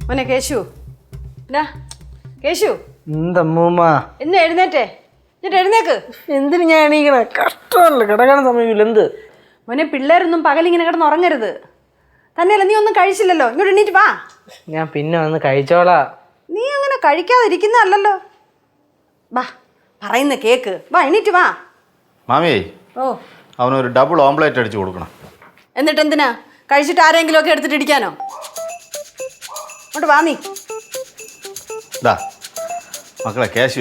മോനെ കേശു, കേശു എന്തമ്മൂമ്മ എന്ന് എഴുന്നേറ്റേ, എന്നിട്ട് എഴുന്നേക്ക്. എന്തിനു ഞാൻ എണീക്കണേ? കഷ്ടമല്ല, കിടക്കാൻ സമയമില്ല. എന്ത് മോനെ, പിള്ളേരൊന്നും പകലിങ്ങനെ കിടന്ന് ഉറങ്ങരുത്. തന്നെയല്ല, നീ ഒന്നും കഴിച്ചില്ലല്ലോ, ഇങ്ങോട്ട് എണീറ്റ് വാ. ഞാൻ പിന്നെ വന്ന് കഴിച്ചോളാ. നീ അങ്ങനെ കഴിക്കാതിരിക്കുന്നതല്ലോ. വാ, പറയുന്ന കേക്ക്. വാ, എണീറ്റ് വാ. മാമിയേ, ഓ, അവനൊരു ഡബിൾ ഓംപ്ലേറ്റ് അടിച്ചു കൊടുക്കണം. എന്നിട്ട് എന്തിനാ? കഴിച്ചിട്ട് ആരെങ്കിലും ഒക്കെ എടുത്തിട്ട് ഇടിക്കാനോ? അങ്ങോട്ട് വാ നീ. ഇതാ മക്കളെ കേശുവേ,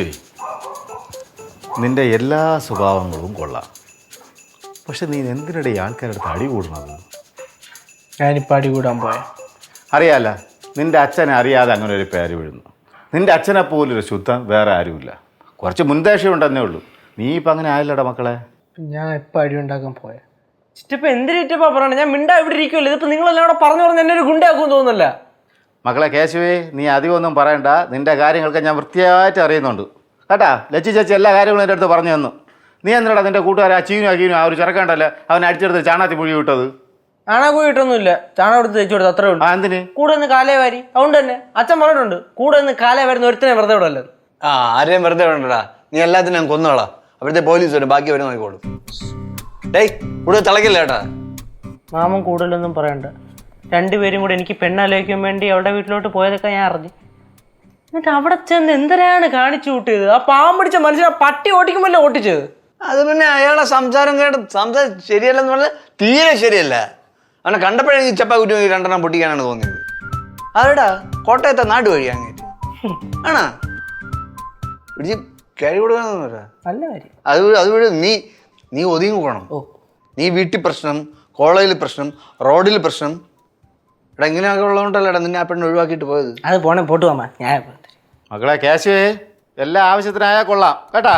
നിന്റെ എല്ലാ സ്വഭാവങ്ങളും കൊള്ളാം. പക്ഷെ നീ എന്തിനിടെ ആൾക്കാരുടെ അടുത്ത് അടി കൂടുന്നത്? ഞാനിപ്പോൾ അടി കൂടാൻ പോയ അറിയാല്ല, നിന്റെ അച്ഛനെ അറിയാതെ അങ്ങനെ ഒരു പേര് വീഴുന്നു. നിന്റെ അച്ഛനെ പോലൊരു ശുദ്ധം വേറെ ആരുമില്ല. കുറച്ച് മുൻദേശം ഉണ്ടെന്നേ ഉള്ളൂ. നീ ഇപ്പം അങ്ങനെ ആയില്ലടാ മക്കളെ. ഞാൻ എപ്പോൾ അടി ഉണ്ടാക്കാൻ പോയ ചിറ്റപ്പം എന്തിനിറ്റപ്പാ പറയണേ? ഞാൻ മിണ്ടാ ഇവിടെ ഇരിക്കുമല്ലോ. ഇതിപ്പോൾ നിങ്ങളെല്ലാം കൂടെ പറഞ്ഞു പറഞ്ഞ് എന്നെ ഒരു ഗുണ്ടാക്കും തോന്നുന്നില്ല. മക്കളെ കേശുവേ, നീ അധികമൊന്നും പറയണ്ട. നിന്റെ കാര്യങ്ങളൊക്കെ ഞാൻ വൃത്തിയായിട്ട് അറിയുന്നുണ്ട് കേട്ടാ. ലച്ചി ചേച്ചി എല്ലാ കാര്യങ്ങളും എൻ്റെ അടുത്ത് പറഞ്ഞു തന്നു. നീ എന്തിനാ നിന്റെ കൂട്ടുകാരെ അച്ചീനും അക്കീനും ആ ഒരു ചെറുക്കണ്ടല്ലേ അവനെ അടിച്ചെടുത്ത് ചാണാത്തി പുഴി വിട്ടത്? ചാണക പോയിട്ടൊന്നുമില്ല, ചാണകം എടുത്ത് തേച്ചു കൊടുത്ത് അത്രേ ഉള്ളൂ. ആ എന്തിന്? കൂടെ നിന്ന് കാലേ വാരി. അതുകൊണ്ട് തന്നെ അച്ഛൻ പറഞ്ഞിട്ടുണ്ട്, കൂടെ നിന്ന് കാലേ വരുന്ന ഒരുത്തനെ വെറുതെ വിടല്ലേ. ആ, ആരെയും വെറുതെ വിടണ്ടടാ. നീ എല്ലാത്തിനും ഞാൻ കൊന്നോളാം. അവിടുത്തെ പോലീസ് വരും, ബാക്കി വരും നോക്കിക്കോളും. ഡേയ്, കൂടുതൽ തിളക്കില്ല കേട്ടാ. മാമൻ കൂടുതലൊന്നും പറയണ്ട. രണ്ടുപേരും കൂടെ എനിക്ക് പെണ്ണാലോചിക്കാൻ വേണ്ടി അവളുടെ വീട്ടിലോട്ട് പോയതൊക്കെ ഞാൻ അറിഞ്ഞു. എന്നിട്ട് അവിടെ ചെന്ന് എന്തിനാണ് കാണിച്ചു കൂട്ടിയത്? ആ പാമ്പ് പിടിച്ച മനുഷ്യനെ പട്ടി ഓടിക്കുമല്ലോ ഓട്ടിച്ചത്. അത് പിന്നെ അയാളെ സംസാരം ശരിയല്ലെന്ന് പറഞ്ഞാൽ തീരെ ശരിയല്ല. അവനെ കണ്ടപ്പോഴേ ഈ ചപ്പാക്കുറ്റി രണ്ടെണ്ണം പൊട്ടിക്കാനാണ് തോന്നിയത്. അതെടാ, കോട്ടയത്തെ നാട് വഴി അങ്ങേറ്റ് ആണാ പിടിച്ച് കയറി കൊടുക്കാന്ന് പറയാ. നല്ല കാര്യം. അതുവഴി നീ ഒതുങ്ങി പോകണം. നീ വീട്ടിൽ പ്രശ്നം, കോളേജിൽ പ്രശ്നം, റോഡിൽ പ്രശ്നം. എടാ, ഇങ്ങനെയൊക്കെ ഉള്ളതുകൊണ്ടല്ലേടാ നിന്നെ ആ പെണ്ണ് ഒഴിവാക്കിയിട്ട് പോയത്. അത് പോണേ പോട്ട് പോമാ. ഞാൻ മക്കളെ കേശുവേ, എല്ലാ ആവശ്യത്തിനായാൽ കൊള്ളാം കേട്ടാ.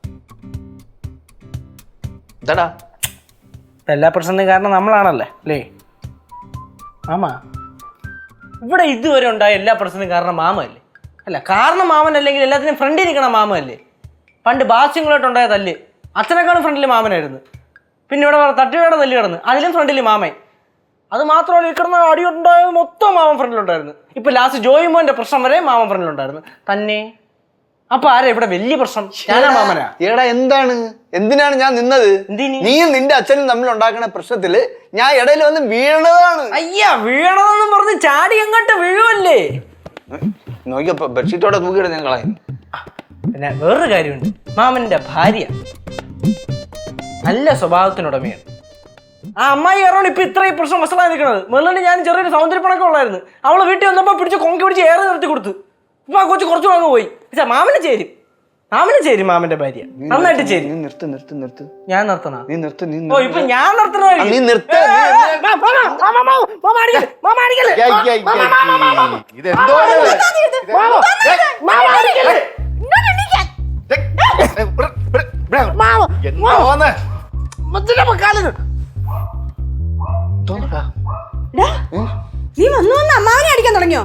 എന്താടാ എല്ലാ പ്രശ്നത്തിനും കാരണം നമ്മളാണല്ലേ അല്ലേ മാമ? ഇവിടെ ഇതുവരെ ഉണ്ടായ എല്ലാ പ്രശ്നത്തിനും കാരണം മാമല്ലേ? അല്ല, കാരണം മാമൻ അല്ലെങ്കിൽ എല്ലാത്തിനും ഫ്രണ്ടിൽ നിൽക്കണം മാമല്ലേ? പണ്ട് ബാസ്യങ്ങളായിട്ടുണ്ടായ തല്ല് അച്ഛനേക്കാളും ഫ്രണ്ടിൽ മാമനായിരുന്നു. പിന്നെ ഇവിടെ തട്ടിയുടെ തല്ല് കിടന്ന് അതിലും ഫ്രണ്ടിൽ മാമൻ. അത് മാത്രമല്ല, ഈ കിടന്ന അടിയുണ്ടായത് മൊത്തം മാമൻ ഫ്രണ്ടിലുണ്ടായിരുന്നു. ഇപ്പൊ ലാസ്റ്റ് ജോയി മോന്റെ പ്രശ്നം വരെ മാമൻ ഫ്രണ്ടിലുണ്ടായിരുന്നു തന്നെ. അപ്പൊ ആരാ ഇവിടെ വലിയ പ്രശ്നം? ഞാനാ മാമനാ? ഏടാ, എന്തിനാണ് ഞാൻ നിന്നത്? നീയും നിന്റെ അച്ഛനും തമ്മിൽ ഉണ്ടാക്കുന്ന പ്രശ്നത്തില് ഞാൻ ഇടയിൽ വന്ന് വീണതാണ്. അയ്യാ, വീണതെന്ന് പറഞ്ഞ് ചാടി എങ്ങോട്ട് വീഴുമല്ലേ? നോക്കിയപ്പോ ബെഡ്ഷീറ്റോടെ തൂക്കിയിട്ട് ഞാൻ കളയും. പിന്നെ വേറൊരു കാര്യമുണ്ട്, മാമന്റെ ഭാര്യ നല്ല സ്വഭാവത്തിനുടമയാണ്. ആ അമ്മായി കാരണം ഇപ്പൊ ഇത്രയും പ്രശ്നം വസലായി നിൽക്കുന്നത്. മെല്ലിന് ഞാൻ ചെറിയൊരു സൗന്ദര്യപ്പണൊക്കെ ഉള്ളായിരുന്നു. അവളെ വീട്ടിൽ വന്നപ്പോ പിടിച്ച് കൊങ്കി പിടിച്ച് ഏറെ നിർത്തി കൊടുത്തു. ഇപ്പൊ ആ കൊച്ചു കുറച്ചു അങ്ങ് പോയി. മാമന് ചേരും മാമന്റെ ഭാര്യ നന്നായിട്ട് ചേരും. ഞാൻ നിർത്തണ? ഓ, ഇപ്പൊ ഞാൻ നിർത്തണ? നീ വന്നു അമ്മാവനെ അടിക്കാൻ തുടങ്ങിയോ?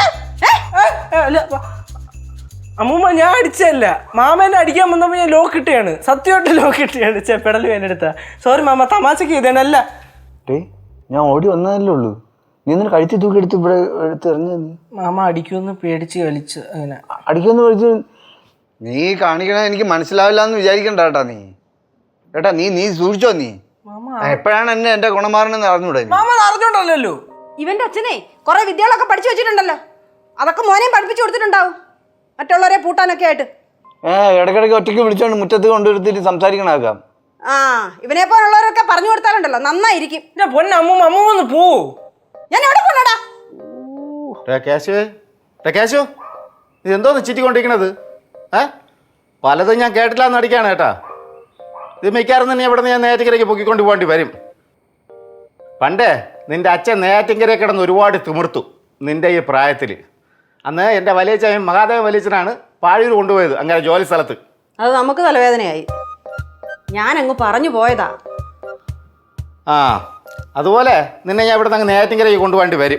അമ്മൂമ്മ, ഞാൻ അടിച്ചല്ല. മാമേനെ അടിക്കാൻ വന്നപ്പോ ഞാൻ ലോക്ക് ഇട്ടിയാണ്, സത്യമായിട്ട് ലോക്ക് ഇട്ടിയാണ്. പെടൽ വേനെടുത്ത. സോറി മാമ, തമാശക്ക് ചെയ്തേനല്ല. ഞാൻ ഓടി വന്നതല്ലേ ഉള്ളൂ. നീ എന്തിനാ കഴുത്തി തൂക്കി എടുത്ത് ഇവിടെ എടുത്ത് എറിഞ്ഞത്? മാമ അടിക്കുമെന്ന് പേടിച്ച് കളിച്ച്. അങ്ങനെ അടിക്കുമെന്ന് പേടിച്ച് നീ കാണിക്കണ എനിക്ക് മനസ്സിലാവില്ല എന്ന് വിചാരിക്കണ്ട കേട്ടാ. നീ സൂക്ഷിച്ചോ. നീ എപ്പോഴാണ് എന്റെ ഗുണമാറണെന്ന് അറിഞ്ഞൂടെ? മാമ അറിഞ്ഞോണ്ടല്ലോ. ഇവന്റെ അച്ഛനെ കുറെ വിദ്യകളൊക്കെ പഠിച്ചു വെച്ചിട്ടുണ്ടല്ലോ. അതൊക്കെ മോനെയും പഠിപ്പിച്ചു കൊടുത്തിട്ടുണ്ടാവും, മറ്റുള്ളവരെ പൂട്ടാനൊക്കെ ആയിട്ട്. ഇടയ്ക്കിടയ്ക്ക് ഒറ്റയ്ക്ക് വിളിച്ചോണ്ട് മുറ്റത്ത് കൊണ്ടുവരുത്തിട്ട് സംസാരിക്കണാക്കാം. ആ, ഇവനെ പോലുള്ളവരൊക്കെ പറഞ്ഞു കൊടുത്താലുണ്ടല്ലോ നന്നായിരിക്കും. അമ്മൂമ്മ പോ. ഞാൻ എവിടെ പോണടാ? കേശു, ഇതെന്തോന്ന് ചിറ്റിക്കൊണ്ടിരിക്കണത്? പലതും ഞാൻ കേട്ടില്ലാന്ന് അടിക്കാണ് കേട്ടാ. ഇത് മിക്കാറും തന്നെ ഇവിടെ ഞാൻ നെയ്യാറ്റിൻകരയ്ക്ക് പൊക്കിക്കൊണ്ട് പോകേണ്ടി വരും. പണ്ടേ നിന്റെ അച്ഛൻ നെയ്യാറ്റിൻകരയിൽ കിടന്ന് ഒരുപാട് തിമിർത്തു നിന്റെ ഈ പ്രായത്തിൽ. അന്ന് എൻ്റെ വലിയച്ഛൻ മഹാദേവ വലിയച്ഛനാണ് പാഴൂർ കൊണ്ടുപോയത് അങ്ങനെ ജോലി സ്ഥലത്ത്. അത് നമുക്ക് തലവേദനയായി. ഞാനങ്ങ് പറഞ്ഞു പോയതാ. ആ, അതുപോലെ നിന്നെ ഞാൻ ഇവിടെ നിന്ന് നെയ്യാറ്റിൻകരയ്ക്ക് കൊണ്ടുപോകേണ്ടി വരും.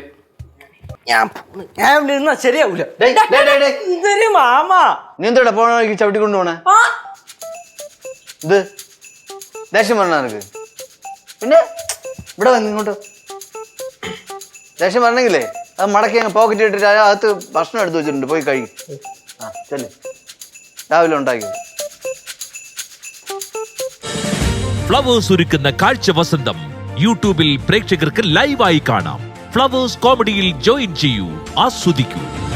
ഞാൻ ശരിയാവൂല. മാമ, നീ എന്തോടാ പോണ ചവിട്ടി കൊണ്ടുപോണേ? ഇത് ദേഷ്യം പറഞ്ഞ നിനക്ക്? പിന്നെ ഇവിടെ വന്ന് ഇങ്ങോട്ട് ദേഷ്യം പറഞ്ഞെങ്കിലേ അത് മടക്കി അങ്ങ് പോക്കറ്റ് ഇട്ടിട്ട് അകത്ത് ഭക്ഷണം എടുത്ത് വെച്ചിട്ടുണ്ട്, പോയി കഴിയും. ആ ചെല്ലു, രാവിലെ ഉണ്ടാക്കി. ഫ്ലവേഴ്സ് ഒരുക്കുന്ന കാഴ്ച വസന്തം യൂട്യൂബിൽ പ്രേക്ഷകർക്ക് ലൈവായി കാണാം. ഫ്ലവേഴ്സ് കോമഡിയിൽ ജോയിൻ ചെയ്യൂ, ആസ്വദിക്കൂ.